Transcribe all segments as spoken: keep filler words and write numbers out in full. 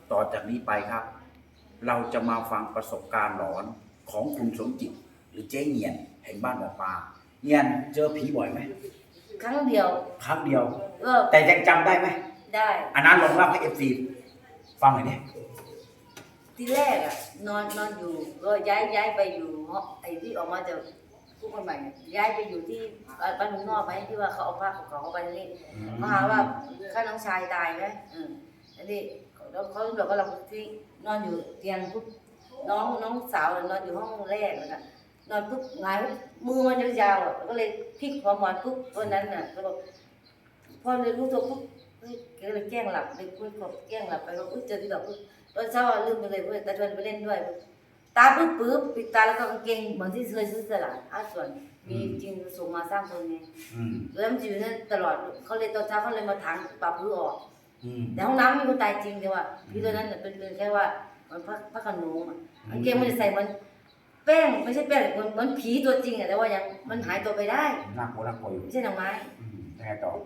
ต่อจากนี้ไปครับ เราจะมาฟังประสบการณ์หลอนของคุณสมจิตหรือเจ๊เงียนแห่งบ้านหมอปลาเงียนเจอผีบ่อยไหมครั้งเดียวครั้งเดียวก็แต่ยังจำได้ไหมได้อันนั้นลองเล่าให้เอฟซีฟังหน่อยดิทีแรกอ่ะนอนนอนอยู่ก็ย้ายย้ายไปอยู่เนาะไอ้ที่ออกมาจากผู้คนใหม่ย้ายไปอยู่ที่บ้านลุงนอกไหมที่ว่าเขาเอาผ้าของเขาเข้าไปนี่มาหาว่าข้าน้องชายตายไหมอืมอันนี้แล้วเขาบอกว่าเราที่นอนอยู่เตียงปุ๊บน้องน้องสาวนอนอยู่ห้องแรกแล้วกันนอนปุ๊บหงายมือมันยาวๆอ่ะก็เลยพลิกหัวหมอนปุ๊บวันนั้นน่ะก็บอกพอเลยรู้ตัวปุ๊บก็เลยแกล้งหลับเลยคุยกับแกล้งหลับไปว่าอุ้ยเจอที่ดอกปุ๊บตอนเช้าลืมไปเลยเพื่อนตาชวนไปเล่นด้วยตาปุ๊บปุ๊บปิดตาแล้วก็กางเกงเหมือนที่เคยซื้อตลาดอาส่วนมีจริงส่งมาสร้างคนไงแล้วมันอยู่นั่นตลอดเขาเลยตอนเช้าเขาเลยมาถางปรับพื้นออกแต่ห้องน้ำมีคนตายจริงแต่ว่าพี่ตัวนั้นเป็นเป็นแค่ว่ามันพระพระขนงอ่ะกางเกงมันจะใส่มันแป้งไม่ใช่แป้งเหมือนเหมือนผีตัวจริงอ่ะแต่ว่ายังมันหายตัวไปได้น่ากลัวน่ากลัวอยู่ไม่ใช่หนังไม้ยังไงต่อ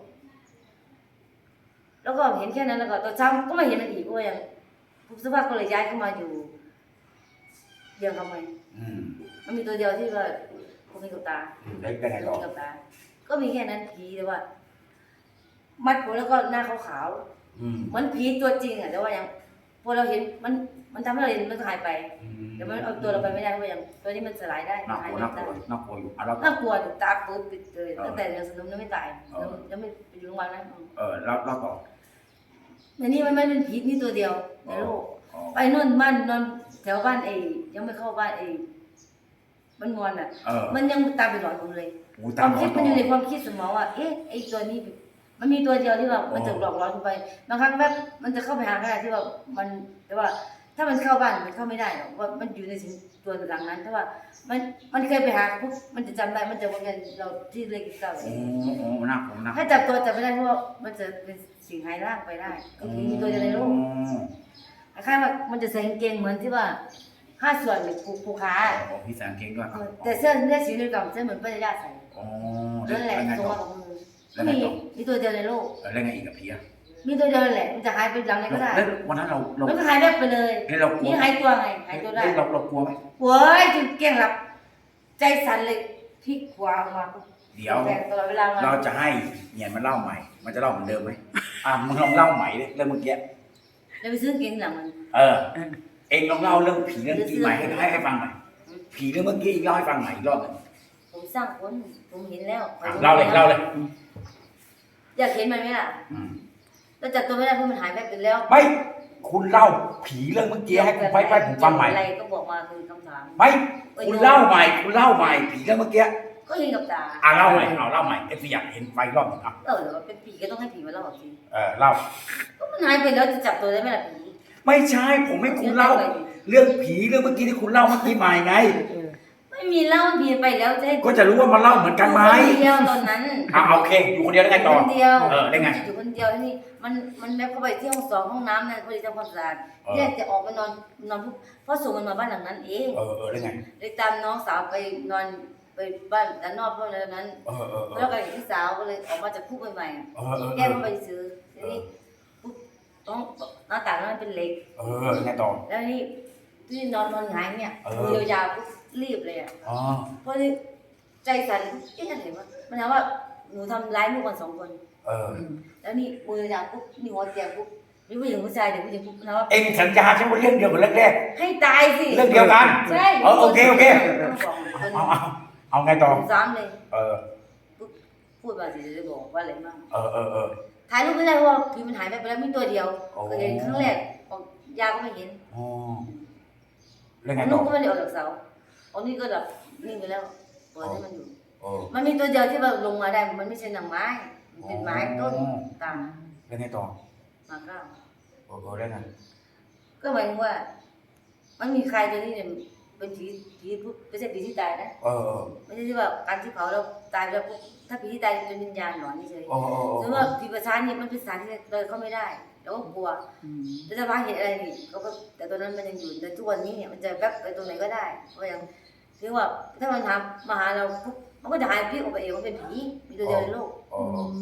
แล้วก็เห็นแค่นั้นแล้วก็ตอนเช้าก็ไม่เห็นมันอีกว่ายังผู้สภาพก็เลยย้ายเข้ามาอยู่เดียวทำไมมันมีตัวเดียวที่ว่าผมมีกับตาเล็กได้ไงต่อกับตาก็มีแค่นั้นผีแต่ว่ามัดผมแล้วก็หน้าขาวๆเหมือนผีตัวจริงอ่ะแต่ว่ายังพอเราเห็นมันมันทำให้เราเห็นมันหายไปแต่มันเอาตัวเราไปไม่ได้เพราะยังตัวนี้มันสลายได้น่ากลัวน่ากลัวน่ากลัวอยู่น่ากลัวตาปื้ดปิดเลยตั้งแต่ยังสนุกยังไม่ตายยังไม่ไปอยู่โรงพยาบาลนะเออแล้วแล้วต่ออันนี้มันไม่เป็นผีนี่ตัวเดียวในโลกไปนอนบ้านนอนแถวบ้านเอยังไม่เข้าบ้านเอมันงอนอ่ะมันยังตามไปหลอนผมเลยความคิดมันอยู่ในความคิดสมองว่าเอ๊ะไอตัวนี้มันมีตัวเดียวที่ว่ามันจะหลอกหลอนไปบางครั้งแบบมันจะเข้าไปหาก็ได้ที่ว่ามันแต่ว่าถ้ามันเข้าบ้านมันเข้าไม่ได้หรอกว่ามันอยู่ในตัวหลังนั้นถ้าว่ามันมันเคยไปหาปุ๊บมันจะจำได้มันจะวนกันเราที่เล็กเก่าโอ้โหน่ากลัวนะถ้าจับตัวจับไม่ได้เพราะว่ามันจะเป็นสิ่งหายร่างไปได้ก็คือมีตัวเดียวในโลกคล้ายๆว่ามันจะใส่กางเกงเหมือนที่ว่าห้าส่วนผูกผูกขาอ๋อพี่ใส่กางเกงด้วยแต่เสื้อเสื้อสีเหลืองเสื้อเหมือนป้ายาใส่อ๋อนั่นแหละตัวของมือก็มีมีตัวเดียวในโลกแล้วไงอีกกับพี่อะมีตัวเดียวแหละมันจะหายไปหลังไหนก็ได้แล้ววันนั้นเราเรามันก็หายแบบไปเลยนี่หายตัวไงหายตัวได้เราเรากลัวไหมโว้ยจุดเกี้ยงหลับใจสั่นเลยพลิกขวามาเดี๋ยวเราจะให้เงียนมันเล่าใหม่มันจะเล่าเหมือนเดิมไหมอ่ะมึงลองเล่าใหม่ดิเรื่องเมื่อกี้เราไปซื้อเกงหลังมันเออเองลองเล่าเรื่องผีเรื่องกี้ใหม่ให้ให้ให้ฟังหน่อยผีเรื่องเมื่อกี้เล่าให้ฟังใหม่อีกรอบหนึ่งผมสร้างคนผมเห็นแล้วเล่าเลยเล่าเลยอยากเห็นมันไหมล่ะเราจับตัวไม่ได้เพราะมันหายไปไปแล้วไม่คุณเล่าผีเรื่องเมื่อกี้ให้ผมไปไปผมฟังใหม่อะไรก็บอกมาคือคำถามไม่คุณเล่าใหม่คุณเล่าใหม่ผีเรื่องเมื่อกี้ก็เห็นกับตาอ่ะเล่าใหม่เอาเล่าใหม่เอฟซีอยากเห็นไฟรอบหนึ่งอ่ะเออหรือว่าเป็นผีก็ต้องให้ผีมาเล่าสิเออเล่าก็มันหายไปแล้วจะจับตัวได้ไหมล่ะผีไม่ใช่ผมให้คุณเล่าเรื่องผีเรื่องเมื่อกี้ที่คุณเล่าเมื่อกี้ใหม่ไงไม่มีเล่าผีไปแล้วจะก็จะรู้ว่ามันเล่าเหมือนกันไหมคนเดียวตอนนั้นอ่ะโอเคอยู่คนเดียวได้ไงต่อคนเดียวเออได้ไงอยู่คนเดียวนี่มันมันแบบเข้าไปที่ห้องสองห้องน้ำนั่นพอดีทำความสะอาดเนี่ยจะออกมานอนนอนเพราะส่งมันมาบ้านหลังนั้นเองเออเออได้ไงเลยตามน้องสาวไปนอนไปบ้านด้านนอกเพราะอะไรนั้นแล้วก็พี่สาวก็เลยออกมาจากคุกใหม่ๆแก้เข้าไปซื้อทีนี้ปุ๊บต้องหน้าต่างนั้นเป็นเหล็กเออไงต่อแล้วนี่ที่นอนนอนหงายเนี่ยมือยาวๆปุ๊บรีบเลยอ่ะเพราะที่ใจสั่นเอ๊ะอะไรวะมันถามว่าหนูทำร้ายลูกกันสองคนแล้วนี่มือยาวปุ๊บนี่หัวเตียงปุ๊บมีผู้หญิงผู้ชายเด็กผู้หญิงปุ๊บนะว่าเอ็งสัญญาใช่ไหมเรื่องเดียวกับเรื่องแรกให้ตายสิเรื่องเดียวกันใช่โอเคโอเคเอาเอาเอาไงต่อซ้ำเลยเออพูดมาสิจะบอกว่าอะไรบ้างเออเออเออถ่ายรูปไม่ได้เพราะผีมันหายไปแล้วมีตัวเดียวเคยเห็นครั้งแรกออกยาก็ไม่เห็นอ๋อเรื่องไงต่อลูกก็ไม่ได้ออกจากเสาอันนี้ก็แบบนิ่งไปแล้วปล่อยให้มันอยู่มันมีตัวเดียวที่แบบลงมาได้มันไม่ใช่หนังไม้เป็นไม้ต้นตามเรื่องไงต่อมาเก้าโอ้โหได้ไงก็หมายถึงว่ามันมีใครตัวนี้เนี่ยเป็นผีผีไม่ใช่ผีที่ตายนะเออไม่ใช่ที่ว่าการที่เผาแล้วตายแล้วถ้าผีที่ตายเป็นวิญญาณหลอนนี่เฉยหรือว่าผีประชานี่มันเป็นสารที่เดินเข้าไม่ได้แล้วก็กลัวแต่ถ้าว่าเห็นอะไรนี่เขาก็แต่ตัวนั้นมันยังอยู่แต่ทุกวันนี้เนี่ยมันจะแวบไปตรงไหนก็ได้เพราะอย่างถือว่าถ้ามันทำมาหาเราปุ๊บมันก็จะหายพิษออกไปเองว่าเป็นผีมีตัวเดียวในโลก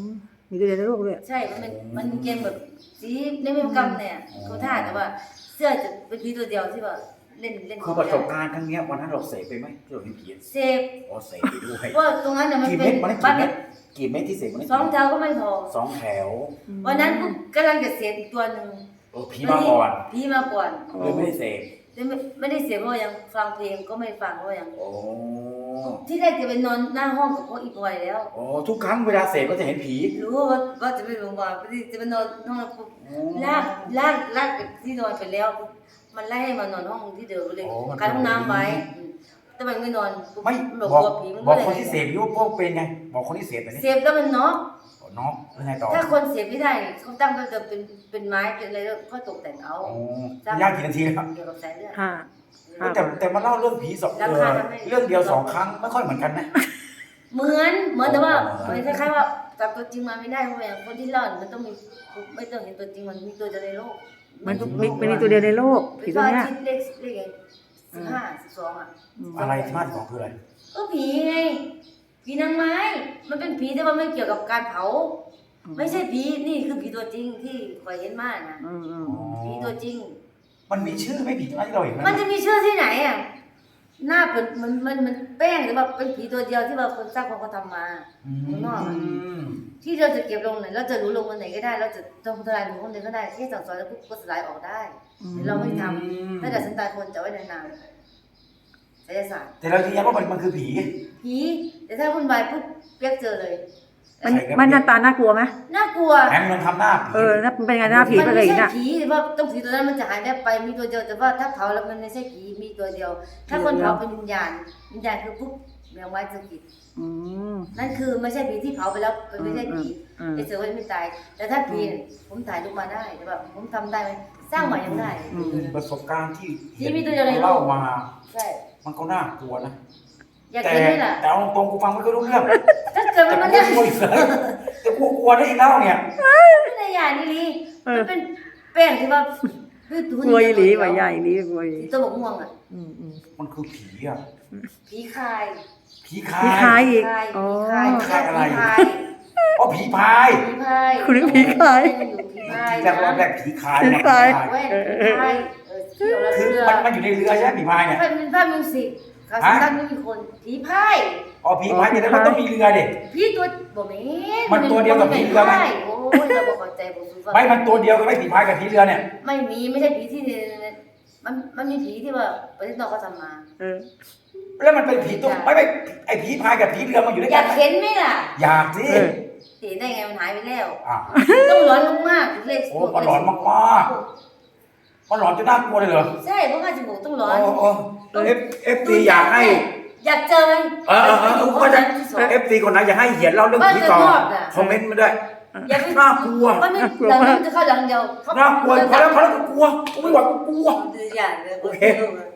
มีตัวเดียวในโลกด้วยใช่ มันเป็นมันเกมแบบสีในเว็บกรรมเนี่ยเขาท่าแต่ว่าเสื้อจะเป็นผีตัวเดียวที่ว่าเล่นเล่นคือประสบการณ์ครั้งเนี้ยวันนั้นเราเสพไปไหมที่เราเห็นผีเซฟอ๋อเสพไปด้วยว่าตรงนั้นน่ะมันกี่เป็เม็นดวันนั้นบ้ากี่นเม็ดกี่เม็ดที่เสพวันนั้นสองแถวก็ไม่พอสองแถววันนั้นปุ๊บกำลังจะเสียอีกตัวหนึ่งโอ้ผีมาก่อนผีมาก่อนเลยไม่ได้เสพไม่ไม่ได้เสียเพราะว่ายังฟังเพลงก็ไม่ฟังเพราะว่ายังโอ้ที่แรกจะไปนอนหน้าห้องกับพวกอีบอยแล้วโอ้ทุกครั้งเวลาเสพก็จะเห็นผีรู้ว่าว่าจะไปโรงพยาบาลจะไปนอนห้องแล้วปุ๊บลากลากลากจากที่นอนไปแล้ว มันไล่ให้มานอนห้องที่เดิมเลยกันห้องน้ำไว้อืมแต่มันไม่นอนปุ๊บไม่หลบบอกกลัวผีมันบอกก็คนเลยที่เสพอยู่พวกเป็นไง บอกคนที่เสพไปนี่เสพแล้วมันเนาะน้องเป็นไงต่อถ้าคนเสพไม่ได้เขาตั้งก็จะเป็นเป็นไม้เป็นอะไรแล้วก็ตกแต่งเอาโอ้ย่างกี่นาทีแล้วเกี่ยวกับสายเลือดห้า ครับแต่แต่มาเล่าเรื่องผีสองราเอคาอทำให้เรื่องเดียวสองครั้งไม่ค่อยเหมือนกันนะเหมือนเหมือนแต่ว่าอ๋อมันคล้ายๆว่าจับตัวจริงมาไม่ได้เพราะอย่างคนที่เล่าเนี่ยมันต้องมีไม่ต้องเห็นตัวจริงมันมีตัวเดียวในโลกมันมีมันมีตัวเดียวในโลกผีตัวเนี้ยคิดเลขเลขไงสิบห้าสิบสองอ่ะอืมอะไรที่มาที่สองคืออะไรก็ผีไงผีนางไม้ มันเป็นผีแต่ว่าไม่เกี่ยวกับการเผา ไม่ใช่ผีนี่คือผีตัวจริงที่คอยเห็นมากนะอืมอืมผีตัวจริงมันมีชื่อไหม่ผีที่เราเห็นไหมมันจะมีชื่อที่ไหนอ่ะหน้าเป็นมันมันมันแป้งหรือว่าเป็นผีตัวเดียวที่ว่าคนสร้างคนเขาทำมาอืข้างนอกอะมที่เราจะเก็บลงไหนเราจะรู้ลงวันไหนก็ได้ เราจะทำทลายลงคนไหนก็ได้แค่สั่งสอนแล้วปุ๊บก็สลายออกได้เราไม่ทำถ้าเกิดสันตายคนจะไว้นานๆศิลศาสตร์แต่เรายืนยันว่ามันมันคือผีผีแต่ถ้าวุ่นวายปุ๊บเรียกเจอเลยมันมันหน้าตาน่ากลัวไหมน่ากลัวแหมมันทำหน้าผีเออแล้วมันเป็นไงหน้าผีมัไปนเลยไม่ใช่น่ะผีแต่ว่าต้องผีตัวนั้นมันจะหายได้ไปมีตัวเดียวแต่ว่าถ้าเผาแล้วมันไม่ใช่ผีมีตัวเดียว ถ้าคนเผาเป็นวิญญาณวิญญาณคือปุ๊บแมวไม้สกิดอืมนั่นคือไม่ใช่ผีที่เผาไปแล้วมันไม่ใช่ผีอืมไอ้เสือมันไม่ตาย แต่ถ้าผีเนี่ยผมถ่ายรูปมาได้แต่ว่าผมทำได้ไหมสร้างใหม่ยังได้อืมประสบการณ์ที่ที่มีตัวเดียวในโลกเล่ามาใช่มันก็น่ากลัวนะอยากแต่เห็นไหมล่ะแต่เอาตรงๆกูฟังไม่ค่อยรู้เรื่องถ้าเกิดแต่มันกูมันกลัวอีกเลยแต่กูกลัวได้อีกเล่าเนี่ยไม่ได้อย่างนี้ลีมันเป็นแป้งที่ว่าพืชทุนกลัวอีหลีว่ะใหญ่อีหลีกลัวอีหลีตัวบกม่วงอ่ะอืมอืมมันคือผีอ่ะผีคายผีคาผีคายยอีกคายอ๋อผีคายคายอะไรผีคายอ๋อผีพายผีพายคุณนึกผีคายผีพายแรกรอบแรกผีคายผีเนี่ยคายเว้ยผีพายเออเที่ยวแล้วคือเรือมันมันอยู่ในเรือใช่ไหมผีพายเนี่ยภาพเป็นภาพมิวสิกคาสตันไม่มีคนผีพายอ๋อผีพายแต่นั้นมันต้องมีเรือเด็กผีตัวบ่แม่มันตัวเดียวกับผีเรือไหมโอ้ยเราบอกเข้าใจผมสุดไม่มันตัวเดียวกันไหม่ผีพายกับผีเรือเนี่ยไม่มีไม่ใช่ผีที่มันมันมีผีที่ว่าประเทศนอกเขาทำมาเออแล้วมันเป็นผีตัวไม่ไม่ไอผีพายกับผีเรือมันอยู่ด้วยอกัยาน กเห็นไหมล่ะอยากสิเออเห็นได้ไงมันหายไปแล้วอ่ะต้องร้อนมากๆเลขโอ้มันหลอนมากๆมันหลอนจนน่ากลัวเลยเหรอใช่เพราะว่าจมูกต้องร้อนโอ้โอ้เอฟเอฟซีอยากให้อยากเจอมันเออเออเออเออก็จะเอฟซีคนไหนอยากให้เหียนเล่าเรื่องผีต่อคอมเมนต์มาด้วยอย่าไปน่ากลัวมันไม่หลังมันจะเข้าหลังเดียวน่ากลัวพอแล้วพอแล้วกูกลัวกูไม่ไหวกูกลัวอย่างเลยโอเค